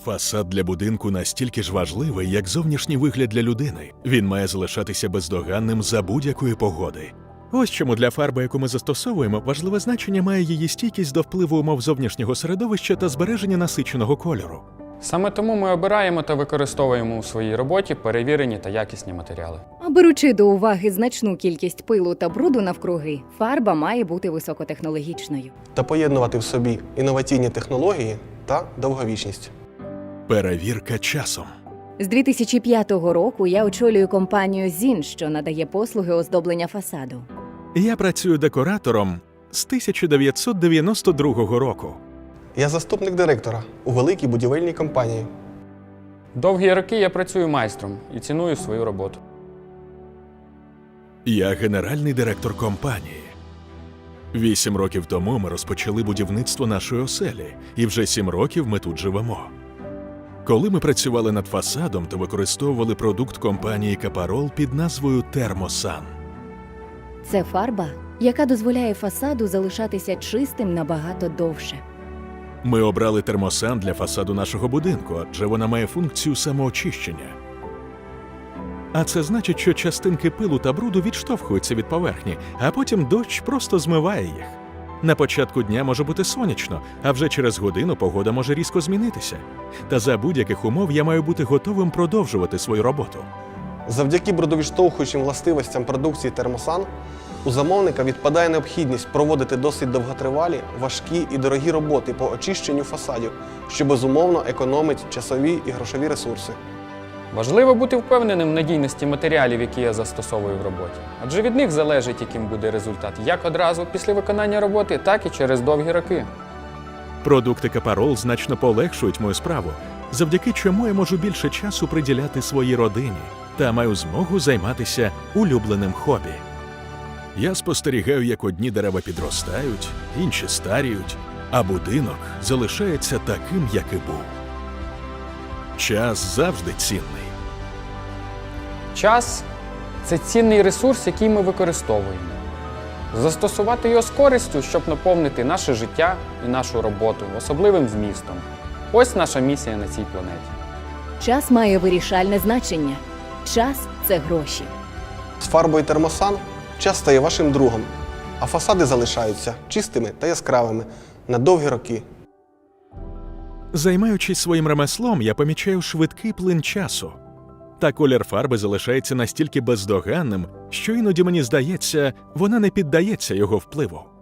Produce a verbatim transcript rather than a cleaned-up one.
Фасад для будинку настільки ж важливий, як зовнішній вигляд для людини. Він має залишатися бездоганним за будь-якої погоди. Ось чому для фарби, яку ми застосовуємо, важливе значення має її стійкість до впливу умов зовнішнього середовища та збереження насиченого кольору. Саме тому ми обираємо та використовуємо у своїй роботі перевірені та якісні матеріали. А беручи до уваги значну кількість пилу та бруду навкруги, фарба має бути високотехнологічною. Та поєднувати в собі інноваційні технології та довговічність. Перевірка часом. З дві тисячі п'ятого року я очолюю компанію «Зін», що надає послуги оздоблення фасаду. Я працюю декоратором з тисяча дев'ятсот дев'яносто другого року. Я заступник директора у великій будівельній компанії. Довгі роки я працюю майстром і ціную свою роботу. Я генеральний директор компанії. Вісім років тому ми розпочали будівництво нашої оселі, і вже сім років ми тут живемо. Коли ми працювали над фасадом, то використовували продукт компанії «Капарол» під назвою «Термосан». Це фарба, яка дозволяє фасаду залишатися чистим набагато довше. Ми обрали термосан для фасаду нашого будинку, адже вона має функцію самоочищення. А це значить, що частинки пилу та бруду відштовхуються від поверхні, а потім дощ просто змиває їх. На початку дня може бути сонячно, а вже через годину погода може різко змінитися. Та за будь-яких умов я маю бути готовим продовжувати свою роботу. Завдяки брудовідштовхуючим властивостям продукції «Термосан» у замовника відпадає необхідність проводити досить довготривалі, важкі і дорогі роботи по очищенню фасадів, що безумовно економить часові і грошові ресурси. Важливо бути впевненим в надійності матеріалів, які я застосовую в роботі. Адже від них залежить, яким буде результат як одразу після виконання роботи, так і через довгі роки. Продукти «Капарол» значно полегшують мою справу, завдяки чому я можу більше часу приділяти своїй родині та маю змогу займатися улюбленим хобі. Я спостерігаю, як одні дерева підростають, інші старіють, а будинок залишається таким, як і був. Час завжди цінний. Час – це цінний ресурс, який ми використовуємо. Застосувати його з користю, щоб наповнити наше життя і нашу роботу особливим змістом. Ось наша місія на цій планеті. Час має вирішальне значення. Час – це гроші. З фарбою «Термосан» час стає вашим другом, а фасади залишаються чистими та яскравими на довгі роки. Займаючись своїм ремеслом, я помічаю швидкий плин часу. Та колір фарби залишається настільки бездоганним, що іноді мені здається, вона не піддається його впливу.